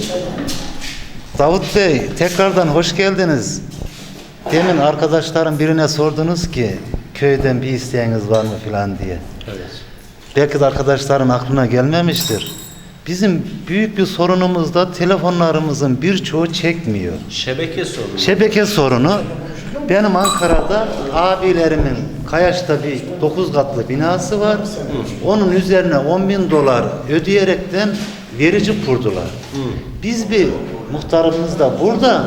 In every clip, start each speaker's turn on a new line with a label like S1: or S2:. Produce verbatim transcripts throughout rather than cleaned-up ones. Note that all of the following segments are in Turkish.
S1: Davut Bey, tekrardan hoş geldiniz. Demin arkadaşlarım birine sordunuz ki köyden bir isteğiniz var mı filan diye.
S2: Evet.
S1: Belki de arkadaşların aklına gelmemiştir. Bizim büyük bir sorunumuz da telefonlarımızın birçoğu çekmiyor.
S2: Şebeke sorunu.
S1: Şebeke sorunu. Benim Ankara'da abilerimin Kayaş'ta bir dokuz katlı binası var. Hı. Onun üzerine on bin dolar ödeyerekten verici kurdular. Hı. Biz bir muhtarımız da burada,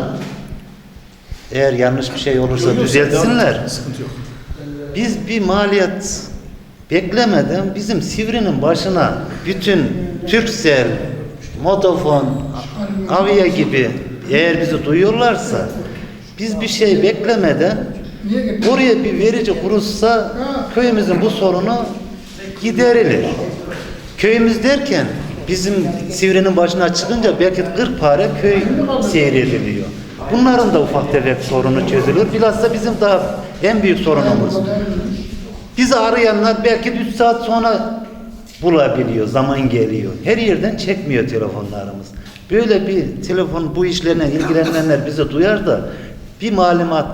S1: eğer yanlış bir şey olursa yok, düzeltsinler.
S3: Sıkıntı yok.
S1: Biz bir maliyet beklemeden bizim Sivri'nin başına bütün Turkcell, Vodafone, Avia gibi eğer bizi duyuyorlarsa biz bir şey beklemeden oraya bir verici kurulsa köyümüzün bu sorunu giderilir. Köyümüz derken bizim Sivri'nin başına çıkınca belki kırk pare köy seyrediliyor. Bunların da ufak tefek sorunu çözülür. Bilhassa bizim daha en büyük sorunumuz. Bizi arayanlar belki üç saat sonra bulabiliyor, zaman geliyor. Her yerden çekmiyor telefonlarımız. Böyle bir telefon bu işlerine ilgilenenler bizi duyar da bir malumat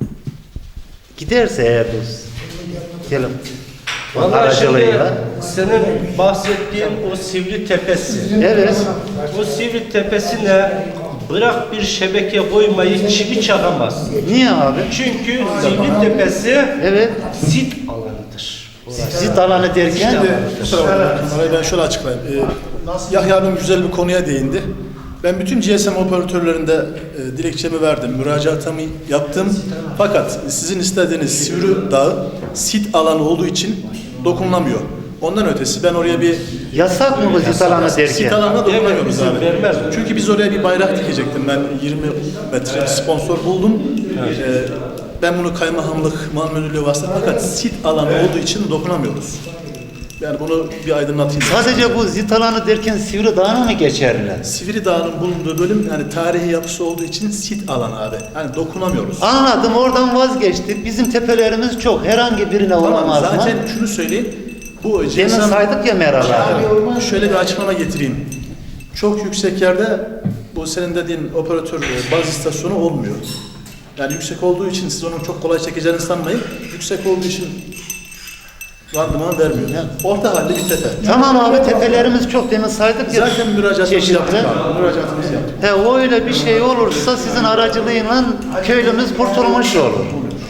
S1: giderse eğer bu telefon aracılığıyla.
S2: Senin bahsettiğin o Sivri Tepesi.
S1: Evet.
S2: O Sivri Tepesi'ne bırak bir şebeke koymayı çivi çakamaz.
S1: Niye abi?
S2: Çünkü Sivri Tepesi
S1: evet.
S2: sit alanıdır.
S1: Sit alanı derken?
S3: Şimdi orayı ben şöyle açıklayayım. Ee, Yahya abim güzel bir konuya değindi. Ben bütün G S M operatörlerinde e, dilekçemi verdim, müracaatımı yaptım. Fakat sizin istediğiniz Sivri Dağı sit alanı olduğu için dokunulamıyor. Ondan ötesi ben oraya bir...
S1: Yasak mı bu sit alanı derken?
S3: Sit alanına dokunamıyoruz
S2: evet,
S3: abi.
S2: Vermez.
S3: Çünkü biz oraya bir bayrak dikecektim. Ben yirmi metre sponsor buldum. Evet. Ee, ben bunu kaymakamlık, mal müdürlüğü vasıtasıyla fakat sit alanı evet. olduğu için dokunamıyoruz. Yani bunu bir aydınlatayım.
S1: Sadece bu sit alanı derken Sivri Dağı'na mı geçerler?
S3: Sivri Dağı'nın bulunduğu bölüm yani tarihi yapısı olduğu için sit alanı abi. Yani dokunamıyoruz.
S1: Anladım, oradan vazgeçtik. Bizim tepelerimiz çok. Herhangi birine
S3: tamam,
S1: olamaz mı?
S3: Zaten şunu söyleyeyim. Bu
S1: Demin saydık ya Meral abi.
S3: Şöyle bir açıklama getireyim. Çok yüksek yerde bu senin dediğin operatör baz istasyonu olmuyor. Yani yüksek olduğu için siz onun çok kolay çekeceğini sanmayın. Yüksek olduğu için randıman vermiyor. Yani orta halde bir tepe.
S1: Tamam abi, tepelerimiz çok, demin saydık ya.
S3: Zaten müracaatımızı yaptık abi. Müracaatımızı yaptık.
S1: He, öyle bir şey olursa sizin aracılığıyla köylümüz kurtulmuş olur.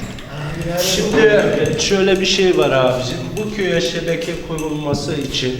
S2: Şimdi şöyle bir şey var abicim. Bu köye şebeke kurulması için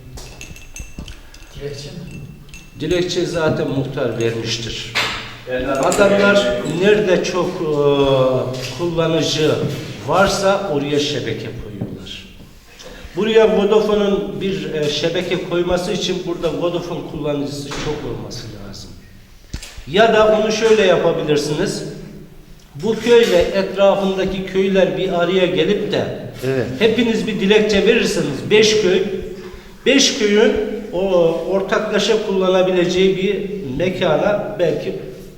S2: dilekçe zaten muhtar vermiştir. Adamlar nerede çok e, kullanıcı varsa oraya şebeke koyuyorlar. Buraya Vodafone'un bir e, şebeke koyması için burada Vodafone kullanıcısı çok olması lazım. Ya da onu şöyle yapabilirsiniz. Bu köyle etrafındaki köyler bir araya gelip de
S1: evet.
S2: hepiniz bir dilekçe verirseniz beş köy, beş köyün o ortaklaşa kullanabileceği bir mekana belki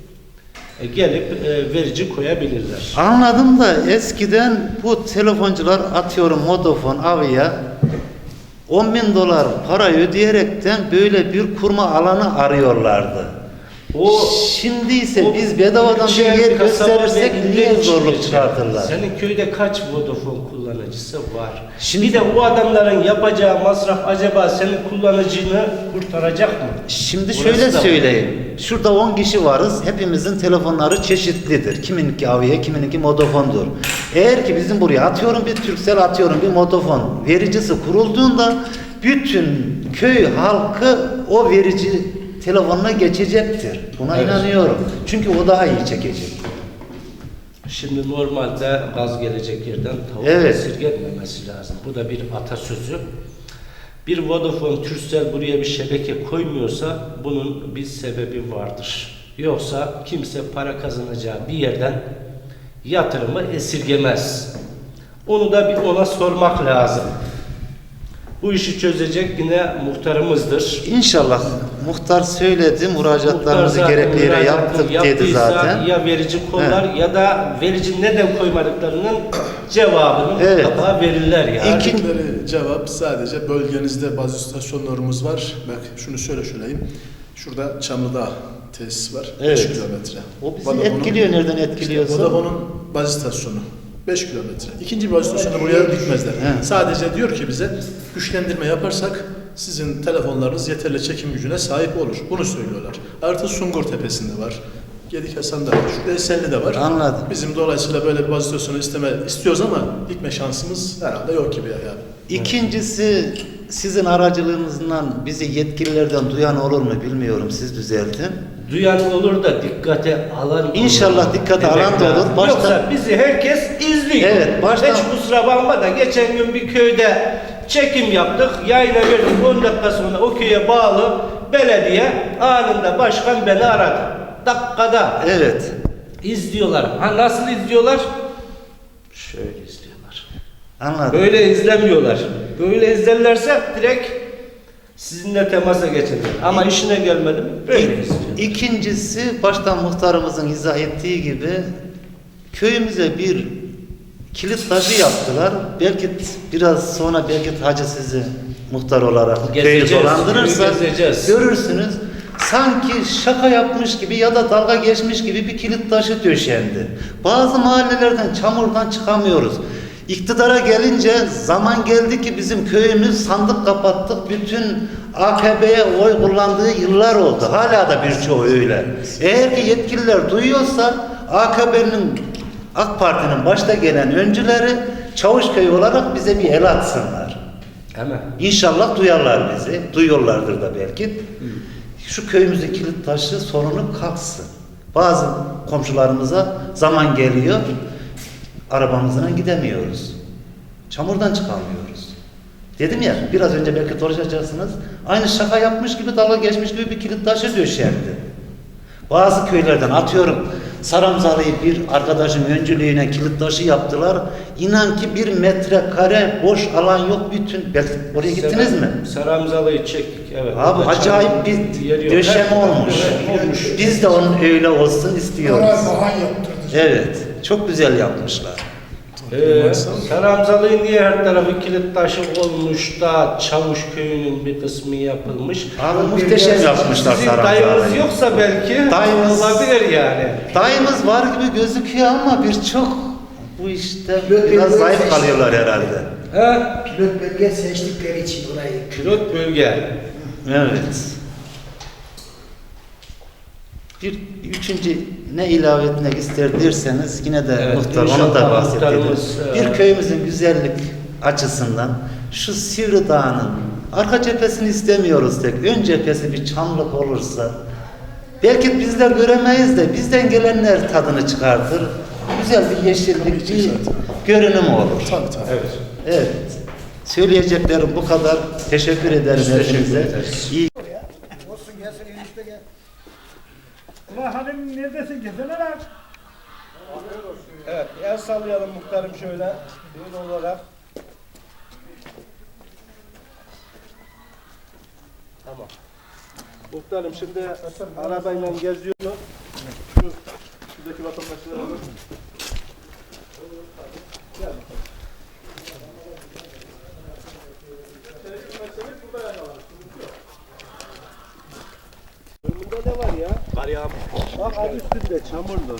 S2: gelip e, verici koyabilirler.
S1: Anladım da eskiden bu telefoncular, atıyorum Vodafone, Avia, on bin dolar para ödeyerekten böyle bir kurma alanı arıyorlardı. O şimdi ise o, biz bedavadan bir yer gösterirsek niye zorluk çıkartırlar?
S2: Senin köyde kaç Vodafone kullanıcısı var? Şimdi bir de o adamların yapacağı masraf acaba senin kullanıcını kurtaracak mı?
S1: Şimdi
S2: Burası
S1: şöyle söyleyeyim. Şurada on kişi varız. Hepimizin telefonları çeşitlidir. Kimininki Avia, kimininki Vodafone'dur. Eğer ki bizim buraya atıyorum bir Turkcell, atıyorum bir Vodafone vericisi kurulduğunda bütün köy halkı o verici telefonuna geçecektir. Buna evet. inanıyorum. Çünkü o daha iyi çekecek.
S2: Şimdi normalde gaz gelecek yerden tavuk
S1: evet.
S2: esirgenmemesi lazım. Bu da bir atasözü. Bir Vodafone, Turkcell buraya bir şebeke koymuyorsa bunun bir sebebi vardır. Yoksa kimse para kazanacağı bir yerden yatırımı esirgemez. Onu da bir ona sormak lazım. Bu işi çözecek yine muhtarımızdır.
S1: İnşallah. Muhtar söyledi, müracaatlarımızı gerekli yere yaptık dedi zaten.
S2: Ya verici kollar evet. ya da verici neden koymadıklarının cevabını evet. mutlaka verirler yani.
S3: İkinci cevap sadece bölgenizde bazı istasyonlarımız var. Bak şunu şöyle söyleyeyim. Şurada Çamlıdağ tesis var.
S1: Evet.
S3: beş kilometre.
S1: O bizi
S3: Vodafone'un-
S1: etkiliyor, nereden etkiliyorsa.
S3: İşte Vodafone'un baz istasyonu. beş kilometre. İkinci bir baz istasyonu buraya dikmezler.
S1: He.
S3: Sadece diyor ki bize güçlendirme yaparsak sizin telefonlarınız yeterli çekim gücüne sahip olur. Bunu söylüyorlar. Artı Sungur Tepesi'nde var. Gedikhasan'da var. Şurada Esenli'de var.
S1: Anladım.
S3: Bizim dolayısıyla böyle bir baz istasyonu isteme istiyoruz ama dikme şansımız herhalde yok gibi yani.
S1: İkincisi, sizin aracılığınızdan bizi yetkililerden duyan olur mu bilmiyorum, siz düzeltin.
S2: Duyan olur da dikkate alan olur.
S1: İnşallah dikkate
S2: Demek
S1: alan da olur.
S2: lazım.
S1: Başta-
S2: Yoksa bizi herkes izliyor.
S1: Evet, baştan-
S2: Hiç kusura bakma da geçen gün bir köyde çekim yaptık. Yayına verdik. on dakika sonra o köye bağlı belediye anında başkan beni aradı. Dakikada.
S1: Evet.
S2: İzliyorlar. Ha nasıl izliyorlar? Şöyle izliyorlar.
S1: Anladım.
S2: Böyle izlemiyorlar. Böyle izlerlerse direkt sizinle temasa geçerler. Ama işine gelmedim böyle izliyor.
S1: İkincisi, baştan muhtarımızın izah ettiği gibi köyümüze bir kilit taşı yaptılar. Belki biraz sonra belki hacı sizi muhtar olarak köyü
S2: Gezeceğiz,
S1: dolandırırsa
S2: köyü gezeceğiz.
S1: görürsünüz. Sanki şaka yapmış gibi ya da dalga geçmiş gibi bir kilit taşı döşendi. Bazı mahallelerden çamurdan çıkamıyoruz. İktidara gelince zaman geldi ki bizim köyümüz sandık kapattık. Bütün A K P'ye oy kullandığı yıllar oldu. Hala da birçoğu öyle. Eğer ki yetkililer duyuyorsa A K P'nin, AK Parti'nin başta gelen öncüleri Çavuşköy olarak bize bir el atsınlar.
S2: Hemen.
S1: İnşallah duyarlar bizi. Duyuyorlardır da belki. Şu köyümüzün kilit taşı sorunu kalksın. Bazı komşularımıza zaman geliyor, arabamızla gidemiyoruz. Çamurdan çıkamıyoruz. Dedim ya, biraz önce belki dolaşacaksınız. Aynı şaka yapmış gibi, dalga geçmiş gibi bir kilit taşı döşendi. Bazı köylerden atıyorum, Saramzalı'yı bir arkadaşın öncülüğüne kilit taşı yaptılar. İnan ki bir metrekare boş alan yok bütün. Belki oraya gittiniz mi?
S2: Saramzalı'yı çektik. Evet.
S1: Abi
S2: Orada
S1: acayip
S2: çam-
S1: bir
S2: yeri yok.
S1: döşeme
S2: Evet,
S1: olmuş.
S2: evet, olmuş.
S1: Biz de onun öyle olsun istiyoruz.
S4: Oraya bahan yaptırdı.
S1: Evet, çok güzel yapmışlar.
S2: Ee, Saramzalı'nın niye her tarafı kilit taşı olmuş da Çavuşköy'ünün bir kısmı yapılmış.
S1: Abi muhteşem yapmışlar
S2: Sizin dayınız
S1: Saramzalı'yı.
S2: yoksa belki
S1: Dayımız-
S2: olabilir yani.
S1: Dayımız var gibi gözüküyor ama birçok bu işte
S4: Yok,
S1: biraz
S4: yok,
S1: zayıf
S4: yok.
S1: kalıyorlar herhalde.
S2: He?
S4: Pilot bölge seçtikleri için burayı.
S2: Pilot bölge.
S1: Evet. Bir üçüncü ne ilave etmek ister derseniz yine de
S2: Evet,
S1: muhtar onu
S2: inşallah
S1: da bahsedelim.
S2: muhtarımız, e,
S1: Bir köyümüzün güzellik açısından şu Sivri Dağı'nın arka cephesini istemiyoruz tek. Ön cephesi bir çamlık olursa belki bizler göremeyiz de bizden gelenler tadını çıkartır. Güzel bir yeşillik, bir görünüm olur.
S3: Tabii tabii.
S2: Evet.
S1: Evet. Söyleyeceklerim bu kadar. Teşekkür ederim
S2: Biz teşekkür
S1: hepinize.
S2: ederiz.
S1: İyi
S4: Olsun gelsin enişte gel.
S5: Ulan hanım neredesin? Gelsene lan.
S2: Evet, el sallayalım muhtarım şöyle. Böyle olarak. Tamam. Muhtarım şimdi arabayla geziyorum. Şu, şuradaki vatandaşlara alın. Önünde ne var ya? Kar yağmış. Bak adı üstünde çamurlu.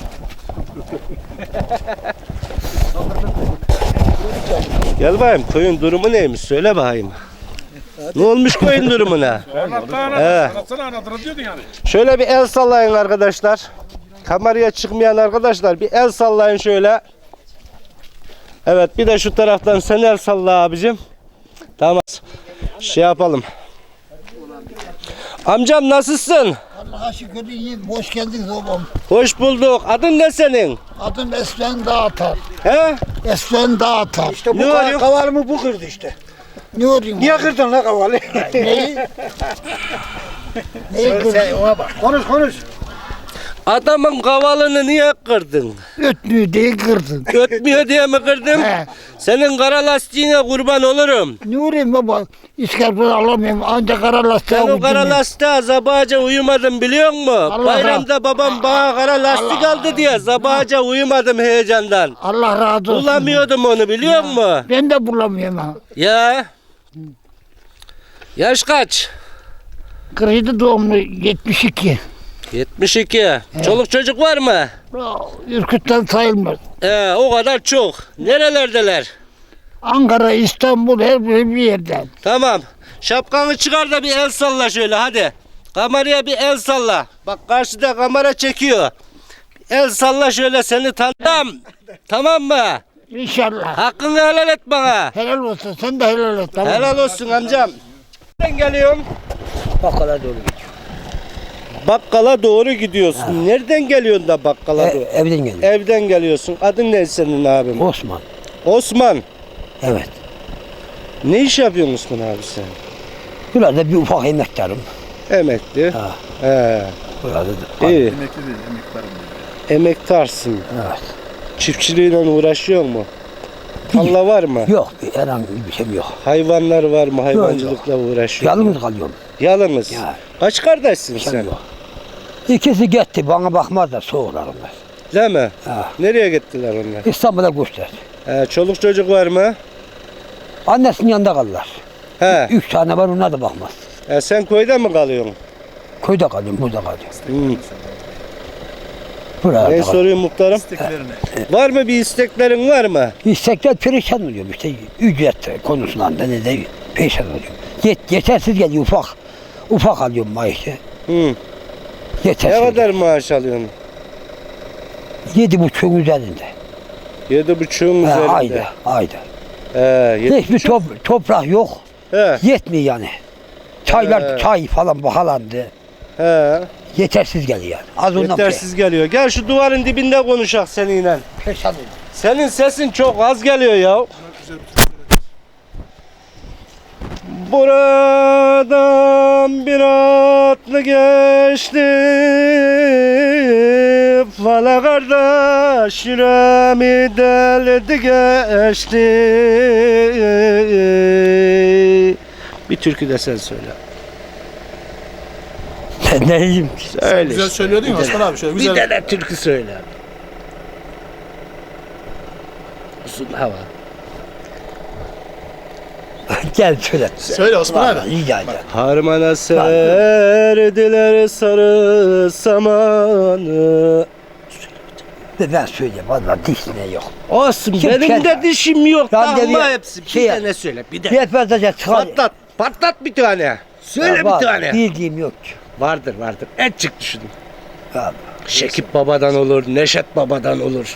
S2: Gel bakayım köyün durumu neymiş söyle bakayım. Ne olmuş köyün durumuna?
S5: Anlattı
S2: He.
S5: anlatsana anlatırım diyordun yani.
S2: Şöyle bir el sallayın arkadaşlar. Kameraya çıkmayan arkadaşlar bir el sallayın şöyle. Evet bir de şu taraftan sen el salla abicim. Tamam. Şey yapalım. Amcam nasılsın?
S4: Allah'a şükür iyiyim. Hoş geldiniz oğlum.
S2: Hoş bulduk. Adın ne senin?
S4: Adım Eslen Dağatar.
S2: He?
S4: Eslen Dağatar. İşte
S2: Ne oluyor?
S5: Kavalımı bu kırdı işte.
S4: Ne olayım?
S5: Niye kırdın la kavalı?
S4: Neyi? Neyi kırdın? Ona bak.
S5: Konuş konuş.
S2: Adamın kavalını niye kırdın?
S4: Ötmüyor değil kırdın.
S2: Ötmüyor diye mi kırdın?
S4: He.
S2: Senin kara lastiğine kurban olurum.
S4: Ne olayım baba? İskarpını alamıyorum. Ancak kara lastiğe
S2: Sen o kara
S4: ucum yok.
S2: lastiğe sabahaca uyumadın biliyor musun?
S4: Allah
S2: Bayramda babam bana kara lastik
S4: Allah-
S2: aldı diye sabahaca uyumadım heyecandan.
S4: Allah razı olsun.
S2: Bulamıyordum onu biliyor musun?
S4: Ben de bulamıyorum ha.
S2: Ya. Yaş kaç?
S4: kırk yedi doğumlu yetmiş iki.
S2: yetmiş iki. Çoluk çocuk var mı?
S4: Ürküt'ten sayılmaz.
S2: Ee, o kadar çok. Nerelerdeler?
S4: Ankara, İstanbul her bir bir yerden.
S2: Tamam. Şapkanı çıkar da bir el salla şöyle hadi. Kameraya bir el salla. Bak karşıda kamera çekiyor. Bir el salla şöyle seni tanıdım. Tamam mı?
S4: İnşallah.
S2: Hakkını helal et bana.
S4: Helal olsun. Sen de helal et. Tamam.
S2: Helal olsun amcam. Nereden geliyorum?
S6: Bakkala doğru gidiyor.
S2: Bakkala doğru gidiyorsun. Nereden geliyorsun da bakkala
S6: E,
S2: doğru?
S6: evden geliyor.
S2: Evden geliyorsun. Adın ne senin abim?
S6: Osman.
S2: Osman.
S6: Evet.
S2: Ne iş yapıyorsun Osman abi sen?
S6: Burada bir ufak emektarım.
S2: Emekli.
S6: Ha.
S2: He.
S6: Burada da.
S2: İyi.
S3: Emekli değil, emektarım diyor.
S2: Emektarsın.
S6: Evet.
S2: Çiftçiliğiyle uğraşıyor mu? Tarla var mı?
S6: Yok, herhangi bir şey yok.
S2: Hayvanlar var mı? Hayvancılıkla uğraşıyor mu?
S6: Yalnız kalıyorum.
S2: Yalnız.
S6: Ya.
S2: Kaç kardeşsin
S6: Şey
S2: sen?
S6: yok. İkisi gitti, bana bakmaz da soğuklarımlar.
S2: Değil mi?
S6: Ha.
S2: Nereye gittiler onlar?
S6: İstanbul'a göçtüler.
S2: He, çoluk çocuk var mı?
S6: Annesinin yanında kalırlar.
S2: He.
S6: Üç tane var, onlar da bakmaz.
S2: He, sen köyde mi kalıyorsun?
S6: Köyde kalıyorum, burada kalıyorum.
S2: Hmm.
S6: Buralarda
S2: Ne
S6: kalıyorum.
S2: soruyor muhtarım?
S3: İsteklerini.
S2: Var mı bir isteklerin var mı?
S6: İstekler perişan oluyor işte, ücret konusunda da ne de perişan oluyor. Yet, yetersiz geliyor, ufak. Ufak alıyorum maaşı.
S2: Hı.
S6: Yetersiz.
S2: Ne kadar maaş alıyorsun?
S6: Yedi buçuğun üzerinde.
S2: Yedi buçuğun
S6: Ha,
S2: üzerinde.
S6: ayda, ayda.
S2: He, yedi
S6: Hiçbir top, toprak yok.
S2: He,
S6: Yetmiyor yani. Çaylar,
S2: He.
S6: çay falan bahalandı.
S2: he.
S6: Yetersiz geliyor yani. Az ondan
S2: Yetersiz geliyor. Gel şu duvarın dibinde konuşak seninle.
S6: perişan oluyor.
S2: Senin sesin çok az geliyor ya. Buradan bir atlı geçti, Vala kardeş yüreğimi deldi geçti. Bir türkü de sen söyle.
S6: Ben ne diyeyim ki?
S2: Söyle
S3: Güzel
S2: işte.
S3: söylüyor değil mi Osman abi? Şöyle
S2: Bir
S3: güzel.
S2: tane türkü söyle. Uzun hava.
S6: Gel şöyle.
S3: Söyle Osman abi.
S6: Vallahi rica ederim.
S2: Harmana serdiler sarı samanı.
S6: Ve ben söyleyeyim valla dişine yok.
S2: Olsun
S6: Kim
S2: benim
S6: kendi-
S2: de dişim yok.
S6: Ben de
S2: Ama
S6: bir-
S2: hepsi bir
S6: şey-
S2: tane söyle bir de.
S6: Yetmezse çıkar.
S2: Patlat. Patlat bir tane. Söyle
S6: Ya
S2: bir
S6: vallahi
S2: tane.
S6: Bildiğim yok ki.
S2: Vardır vardır. Et çık düşünün.
S6: Vallahi.
S2: Şekip babadan olur, Neşet babadan olur.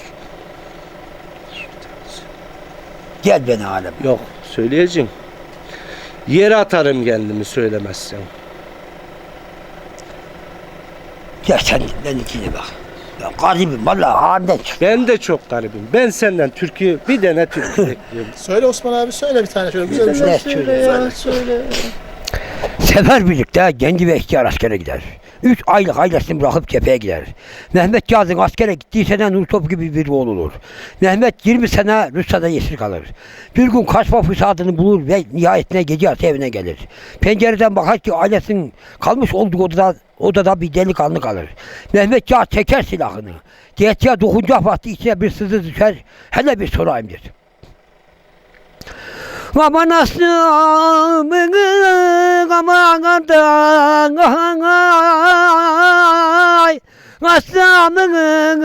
S6: Gel beni alem.
S2: Yok söyleyeceğim. Yere atarım kendimi söylemezsen.
S6: Gel sen benimkine bak. Ya garibim valla halimden çık.
S2: Ben de çok garibim. Ben senden türkü bir tane türkü bekliyorum.
S3: Söyle Osman abi söyle bir tane şöyle güzel bir şey.
S6: Ne söyle?
S2: söyle.
S6: Sefer birlikte genci ve ihtiyar askere gider. Üç aylık ailesini bırakıp cepheye gider. Mehmet Kazım askere gittiği sene Nurtop gibi bir oğul olur. Mehmet yirmi sene Rusya'da esir kalır. Bir gün kaçma fırsatını bulur ve nihayetine gece yarısı evine gelir. Pencereden bakar ki ailesinin kalmış olduğu odada, odada bir delikanlı kalır. Mehmet Kazım çeker silahını. Diyetiye dokunacak vakti içine bir sızı düşer. Hele bir sorayım der. Aman aslanım, aman kardan, ay, aslanım,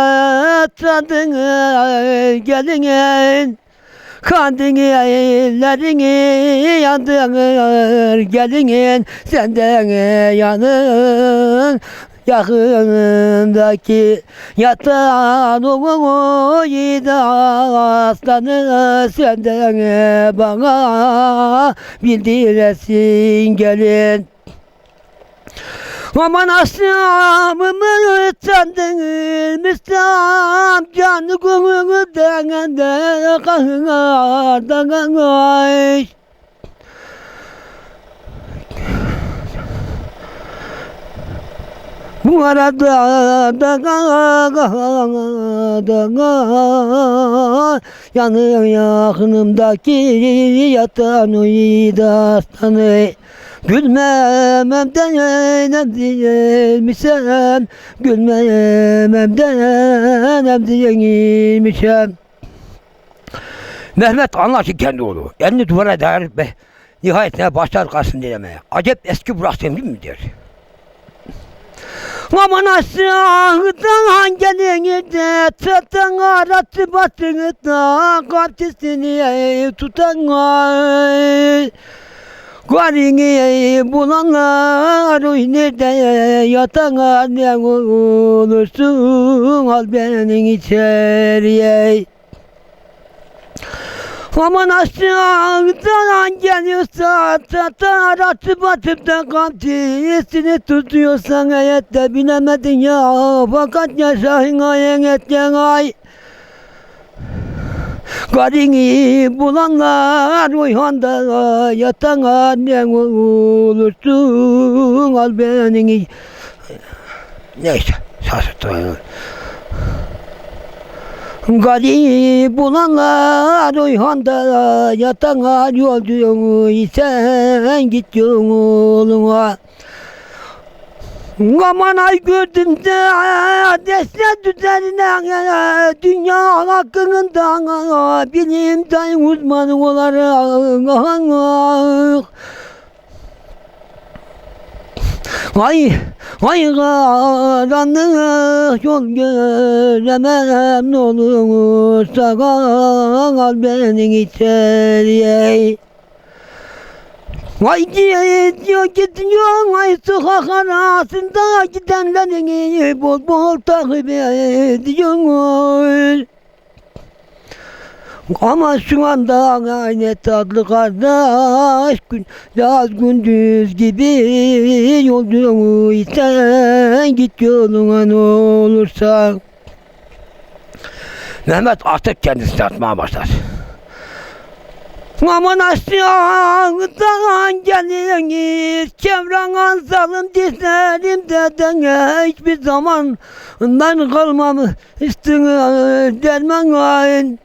S6: tadını gelin, kandın ellerini yandırır gelin, senden yanın. Yakındaki yatan oğlu yiğit aslanı senden bana bildiresin gelin. Aman aslanımı sandın müstam canı gönülden de kahırdan ay. Bu arada da da yanıyor yakınımdaki yatan uyudu aslanı. Gülmememden nem değilmişem, gülmememden nem değilmişem. Mehmet anlar ki kendi oğlu, elini duvara dayanıp be, Nihayetinde başlar karşısında dilemeye. Acep eski bıraktığım değil mi der. Aman aşağıdan gelini de çatan aratı batını da kapçısını tutan ay. Garini bulanlar oy nerede yatan ne olursun al beni içeriye. Aman aşağıdan geliyorsa çatan atıp atıp da kamçısını tutuyorsan heyet de bilemedin ya fakat yaşayın ayın etken ay. Garini bulanlar uyhanda yatan annen olursun al beni. Neyse sarsıttı. Garini bulanlar uyhanda yatan an yolcuyum sen git yoluna. Aman ay gördüm de desne üzerine dünya hakkında bilim dayın uzmanı olarak ay ay karanlık yol göremem ne olursa al beni içeriye. Vay gidiyor gidiyor ay sokak arasında gidenlerini bol bol takip ediyor. Ama şu anda aynı tatlı kardeş gün, yaz gündüz gibi yolcuysan git yoluna ne olursa. Mehmet artık kendisini atmaya başlar. Aman aşağıdan geliniz, çevren zalim dizlerimde hiçbir zaman ben kalmamıştın derman ayın.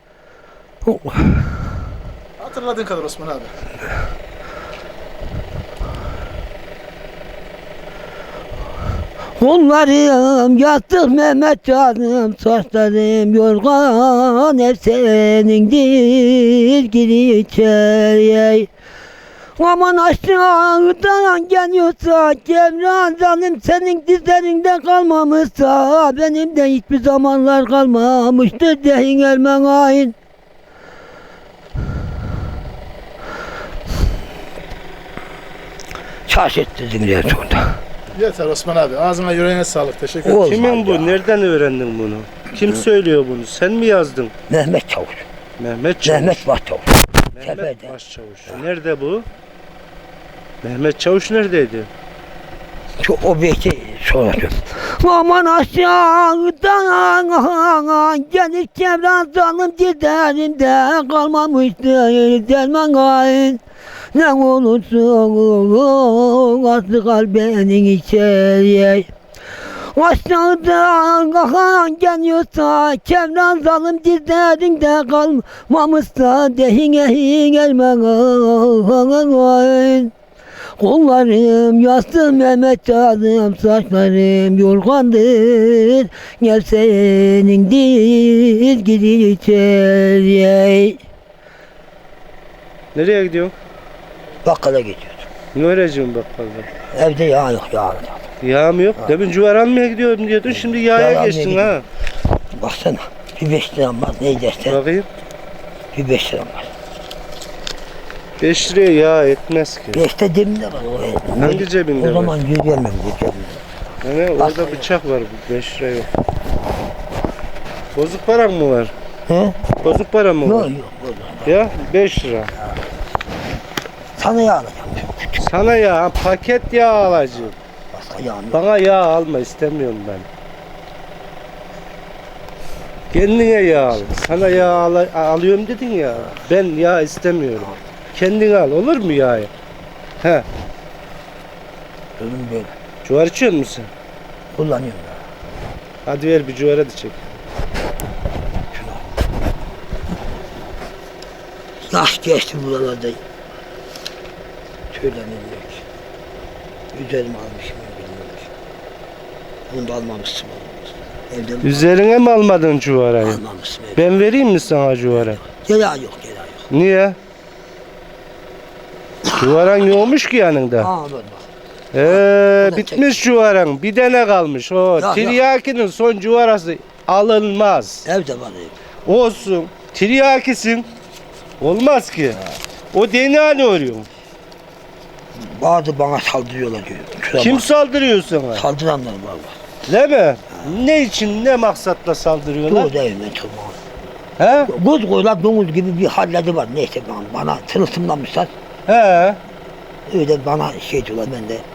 S3: Hatırladığın kadar Osman abi.
S6: Kollarım yastık Mehmet canım, saçlarım yorgan hep senindir gir içeriye. Aman aşağıdan geliyorsa Cemran zalim senin dizlerinde kalmamışsa benim de hiçbir zamanlar kalmamıştır deyin Ermen hain. Şaşırttırdın diye sonunda.
S3: Yeter Osman abi. Ağzına yüreğine sağlık. Teşekkür ederim.
S6: Olmaz
S2: Kimin bu?
S6: ya.
S2: Nereden öğrendin bunu? Kim söylüyor bunu? Sen mi yazdın?
S6: Mehmet Çavuş.
S2: Mehmet Çavuş.
S6: Mehmet Başçavuş.
S2: Mehmet
S6: Seferde.
S2: Başçavuş. Nerede bu? Mehmet Çavuş neredeydi?
S6: Şu o beyti soracağım. Aman aşağıdan gelir Cemran zalim dizlerimde kalmamıştır derman hain. Ne olursun aslı kalbenin içeriye. Aşağıdan kahan geliyorsa Cemran zalim dizlerinde kalmamışsa dehin ehin elmen. Kollarım yastık Mehmet canım, saçlarım yorgandır gel senindir gir içeriye.
S2: Nereye gidiyorsun?
S6: Bakkala gidiyoruz.
S2: Ne öğreneceğim bakkalda?
S6: Evde yağ yok yağ yok.
S2: Yağım yok. Demin cüver almaya gidiyordum diyordun. Şimdi yağa
S6: Yağ almaya
S2: geçtin ha.
S6: Baksana bir beş liram var ne dersen
S2: Bakayım.
S6: bir beş liram var.
S2: Beş liraya yağ etmez ki.
S6: Beşte cebimde var o.
S2: Hangi cebinde
S6: O
S2: var?
S6: zaman yürüyemem bu cebimde.
S2: Yani orada bıçak var. Beş lira yok. Bozuk paran mı var?
S6: He?
S2: Bozuk para mı
S6: Yok
S2: var?
S6: yok. Yok.
S2: Ya beş lira.
S6: Sana yağ alacağım.
S2: Sana yağ, paket yağ alacağım.
S6: Başka yağ yok.
S2: Bana yağ alma, istemiyorum ben. Kendine yağ al. Sana yağ al alıyorum dedin ya. Ben yağ istemiyorum. Kendin al, olur mu yağı? He.
S6: Ölüm böyle.
S2: Cuvar içiyor musun sen?
S6: Kullanıyorum ya.
S2: Hadi ver bir cuvara da çek.
S6: Yaş geçti buralarda. Söyleniyor ki. Üzerime almışım bilmiyorum. Bunu da almamışsın. Evden
S2: Üzerine mi almadın cuvarayı?
S6: almamışsın. Evden.
S2: Ben vereyim mi sana cuvara?
S6: Gela yok, gela yok.
S2: Niye? Cuvaran yokmuş ki yanında.
S6: Ha böyle bak.
S2: Ee,
S6: O da
S2: bitmiş cuvaran. Bir tane kalmış. O
S6: Ya,
S2: tiryakinin son cuvarası alınmaz.
S6: Evde var ev.
S2: Olsun. Tiryakisin. Olmaz ki. O D N A ne arıyor?
S6: Bazı bana saldırıyorlar diyor. Şuna
S2: Kim
S6: bak.
S2: saldırıyor sana?
S6: Saldıranlar var var.
S2: Değil mi? Ne için, ne maksatla saldırıyorlar?
S6: Dur evime tutma.
S2: He?
S6: Göz koylar domuz gibi bir halleri var. Neyse bana, bana tılsımlamışlar.
S2: He.
S6: Öyle bana şey diyorlar ben de.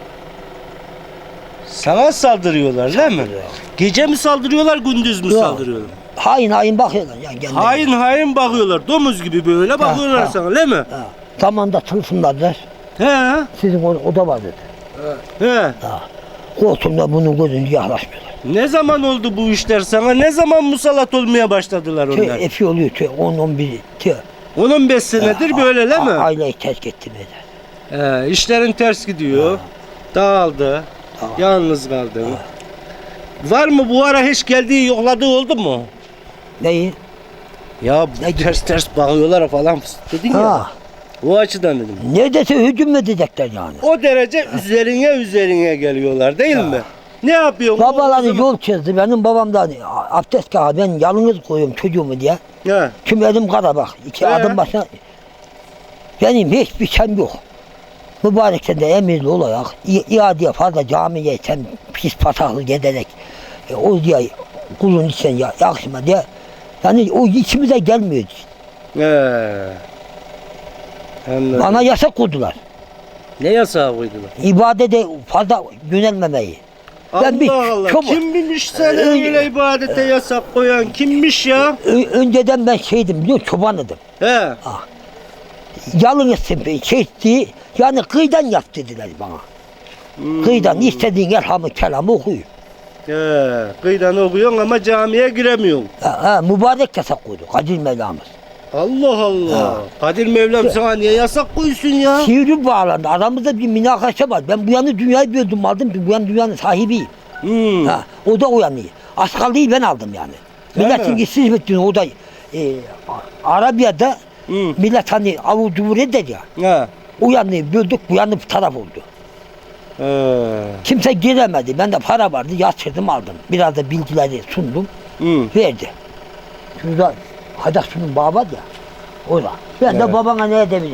S2: Sana saldırıyorlar değil mi?
S6: Saldırıyor.
S2: Gece mi saldırıyorlar, gündüz mü
S6: Yok.
S2: saldırıyorlar?
S6: Hain hain bakıyorlar. Yani kendine.
S2: Hain hain bakıyorlar. Domuz gibi böyle bakıyorlar
S6: ha.
S2: sana değil mi?
S6: Ha. Zamanda tılsımladılar.
S2: He.
S6: Sizin o, o da var dedi.
S2: He.
S6: Ha. Koltuğumda bunun gözünü yaklaşmıyorlar.
S2: Ne zaman oldu bu işler sana? Ne zaman musallat olmaya başladılar onlar?
S6: Şey, efi oluyor. Şey, on on bir. Şey,
S2: on on beş senedir böyle değil mi?
S6: a- Aileyi terk ettim eder.
S2: He, işlerin ters gidiyor. Dağıldı.
S6: Tamam.
S2: Yalnız kaldın. Var mı bu ara hiç geldiği yokladığı oldu mu?
S6: Neyi?
S2: Ya
S6: Ne gibi?
S2: ters ters bakıyorlar falan dedin ya.
S6: Ha.
S2: O açıdan dedim.
S6: Neredeyse hücum edecekler yani.
S2: O derece üzerine üzerine geliyorlar değil mi? Ne yapıyorsun?
S6: Babaları
S2: O zaman-
S6: yol çizdi. Benim babam da abdest kağıdı. Ben yalnız koyuyorum çocuğumu diye.
S2: He.
S6: Şimdi elim kara bak. İki
S2: Ee?
S6: adım başına. Benim hiçbir şeyim yok. Mübarek sen de emirli olarak i- iadeye fazla camiye sen pis pataklı giderek e, o diye kulun içine ya, yakışma diye. Yani o içimize gelmiyor.
S2: He. Anladım.
S6: Bana yasak koydular.
S2: Ne yasağı koydular?
S6: İbadete fazla yönelmemeyi. Ben bir
S2: Allah Allah.
S6: çok-
S2: Kim bilmiş seni
S6: Ee,
S2: öyle ibadete yasak koyan? Kimmiş ya?
S6: Ö- önceden ben şeydim biliyor musun? Çobanıydım.
S2: He.
S6: Yalın etsin çekti. Yani kıyıdan yap dediler bana.
S2: Hmm.
S6: Kıyıdan istediğin elhamı kelamı okuyun.
S2: He. Kıyıdan okuyorsun ama camiye giremiyorsun.
S6: Ha, ha, mübarek yasak koydu Kadir Mevlamız.
S2: Allah Allah. Kadir Mevlam sana niye yasak koysun ya?
S6: Sivri bağlandı. Aramızda bir münakaşa var. Ben bu yanı dünyayı böldüm aldım. Bu yan dünyanın sahibiyim.
S2: Hmm.
S6: Ha, o da o yanıyı. Askalıyı ben aldım yani.
S2: Değil
S6: Milletin
S2: mi?
S6: gitsin hizmetini o da e, Arabiya'da
S2: Hmm.
S6: millet hani avucu vur eder ya.
S2: He.
S6: O yanıyı böldük bu yanı bir taraf oldu.
S2: He.
S6: Kimse giremedi. Ben de para vardı yatırdım aldım. Biraz da bilgileri sundum.
S2: Hmm.
S6: Verdi. Şurada Hacaksu'nun bağı var ya. Orada. Ben de
S2: Evet.
S6: babana ne edebilirim?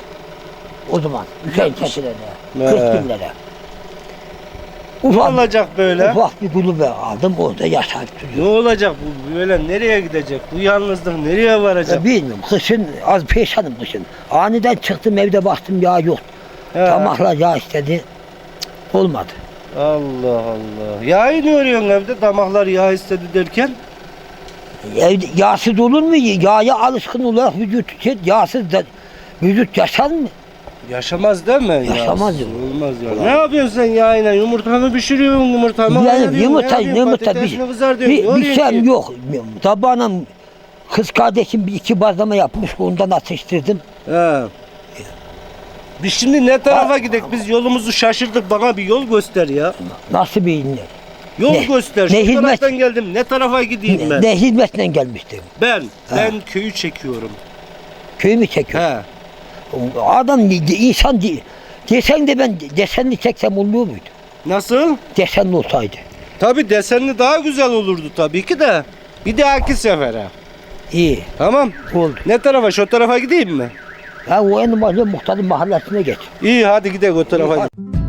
S6: O zaman Hüseyin Çetin'e
S2: Evet.
S6: kırk bin lira.
S2: Ne
S6: Ufak,
S2: olacak böyle?
S6: ufak bir kulübe aldım orada yaşayıp
S2: Ne
S6: duruyor.
S2: olacak bu böyle nereye gidecek? Bu yalnızlık nereye varacak?
S6: Ya bilmiyorum kışın az peşanım kışın. Aniden çıktım evde baktım yağ yok.
S2: He.
S6: Tamahlar yağ istedi. Cık, olmadı.
S2: Allah Allah. Yağı ne örüyorsun evde? Damaklar yağ istedi derken?
S6: Evde yağsız olur mu? Yağa alışkın olarak vücut şey, yağsız da vücut yaşar mı?
S2: Yaşamaz değil mi?
S6: Yaşamaz
S2: Yağsız
S6: ya.
S2: Olmaz ya. Ne yapıyorsun sen yağıyla? Yumurta mı pişiriyorsun? Yumurta mı
S6: Yani
S2: ayırıyorsun?
S6: yumurta,
S2: Ne yapıyorsun?
S6: yumurta bir,
S2: Patatesini kızar diyorsun.
S6: bir,
S2: Ne
S6: bir
S2: oluyor
S6: şeyim
S2: ki?
S6: yok. Tabağına kız kardeşim bir iki bazlama yapmış, ondan atıştırdım.
S2: He. Biz şimdi ne tarafa gidek? Biz yolumuzu şaşırdık. Bana bir yol göster ya.
S6: Nasıl bir
S2: Yol
S6: Ne-
S2: göster.
S6: ne
S2: Şu
S6: hizmet-
S2: taraftan geldim. Ne tarafa gideyim
S6: ne,
S2: ben?
S6: ne hizmetle gelmiştim.
S2: Ben,
S6: Ha.
S2: ben köyü çekiyorum.
S6: Köyü mü çekiyor?
S2: He.
S6: Adam insan de- desen de ben desenli çeksem olmuyor muydu?
S2: Nasıl?
S6: Desenli olsaydı.
S2: Tabii desenli daha güzel olurdu tabii ki de. Bir dahaki sefere.
S6: İyi
S2: Tamam.
S6: oldu.
S2: Ne tarafa? Şu tarafa gideyim mi?
S6: Ha o en mahalle muhtarın mahallesine geç.
S2: İyi hadi gidelim o tarafa.